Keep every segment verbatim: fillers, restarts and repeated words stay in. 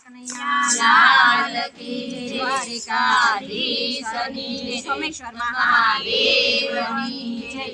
लाल की द्वारिकाधीशनी सोमेश्वर महादेवनी जय।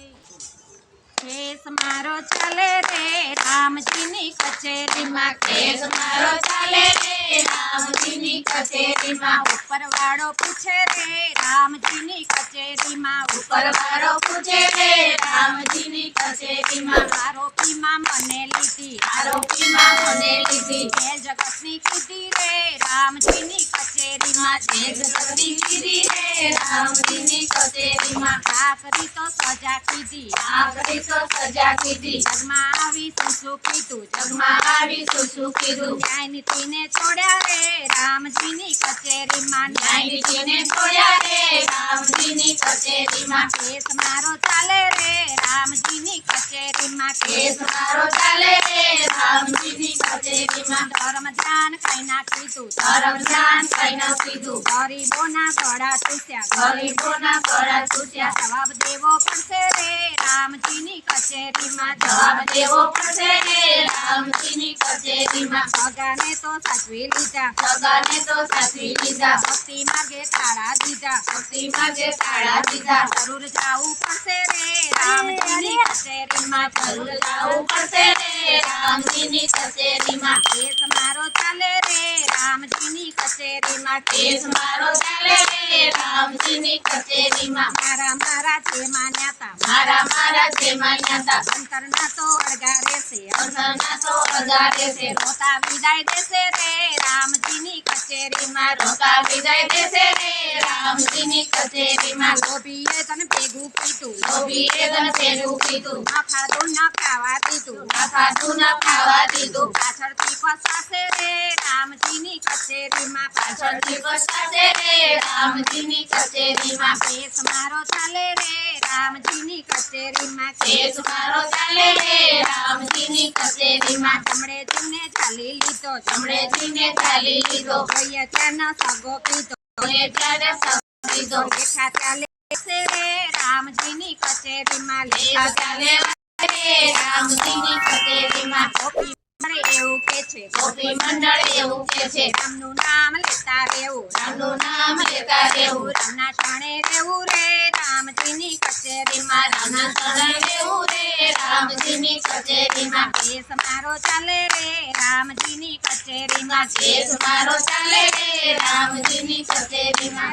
केस मारो चले रे रामजी नी कचेरी मां, केस मारो चले रे रामजी नी कचेरी मां। ऊपर वाળો पूछे रे रामजी नी कचेरी मां, ऊपर वाળો पूछे रे रामजी नी कचेरी मां। आरोपी मां मने लीधी, आरोपी मां मने लीधी। जे जगत नी कीधी रे रामजी नी कचेरी मां, जे जगत नी कीधी रे रामजी नी कचेरी मां। आखरी तो सजा कीधी, आखरी तो सजा कीधी। जगमा आवी सुसु कीधुं, जगमा आवी सुसु कीधुं। न्याय नीति ने छोड्या रे रामजी नी कचेरी मां, न्याय नीति ने छोड्या रे रामजी नी कचेरी मां। केस मारो चाले रे रामजी नी कचेरी मां, केस मारो चाले रे रामजी नी कचेरी मां। धर्म ध्यान कई ना कीधुं, धर्म ध्यान कई ना कीधुं। गरीबोना गळा तूट्या, गरीबोना गळा तूट्या। जवाब देवो पड़शे रे रामजी नी कचेरी मां, जवाब देवो पड़शे रे रामजी नी कचेरी मां। सगाने तो साचवी लीधा, सगाने तो साचवी लीधा। भक्ति मार्गे ताळा दीधा, भक्ति मार्गे ताळा दीधा। जरूर जावू पड़शे रे रामजी नी कचेरी मां, जरूर जावू पड़शे रे रामजी नी कचेरी मां। केस मारो चाले रे रामजी नी कचेरी मां, केस मारो चाले रे रामजी नी कचेरी मां। मारा मारा छे मान्याता, मारा मारा छे मान्याता। अंतरना तो अड़गा रहेशे, अंतरना तो अड़गा रहेशे। रोता विदाय देशे रे रामजी नी कचेरी मां, रोता विदाय देशे रे रामजी नी कचेरी मां। लोभीए तने भेगुं कीधुं, लोभीए तने भेगुं कीधुं। न खाधुं न खावा दीधुं, न खाधुं न खावा दीधुं। पाछळथी पछाशे रे रामजी नी कचेरी मां, पाछळथी पछाशे रे रामजी नी कचेरी मां। केस मारो चाले रे रामजी नी कचेरी मां, केस मारो चाले रे रामजी नी कचेरी मां। जमणे जीने झाली लीधो, जमणे जीने झाली लीधो। જોઈએ त्याने सगो कीधो, જોઈએ त्याने सगो कीधो। लेखा चाले रे रामजी नी कचेरी मां, लेखा चाले रे रामजी नी कचेरी मां। गोपी मंडळ એવું કે છે, गोपी मंडळ એવું કે છે। રામનું નામ લેતા રહેવું, રામનું નામ લેતા રહેવું। રામના શરણે રહેવું રે રામજી ની કચેરી માं, રામના શરણે રહેવું રે રામજી ની કચેરી માं। કેસ મારો ચાલે રે રામજી ની કચેરી માं, કેસ મારો ચાલે રે રામજી ની કચેરી માं।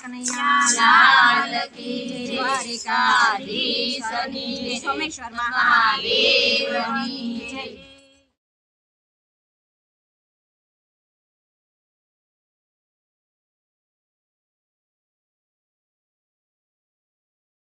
લાલ की द्वारिकाधीशनी सोमेश्वर महादेवनी जय।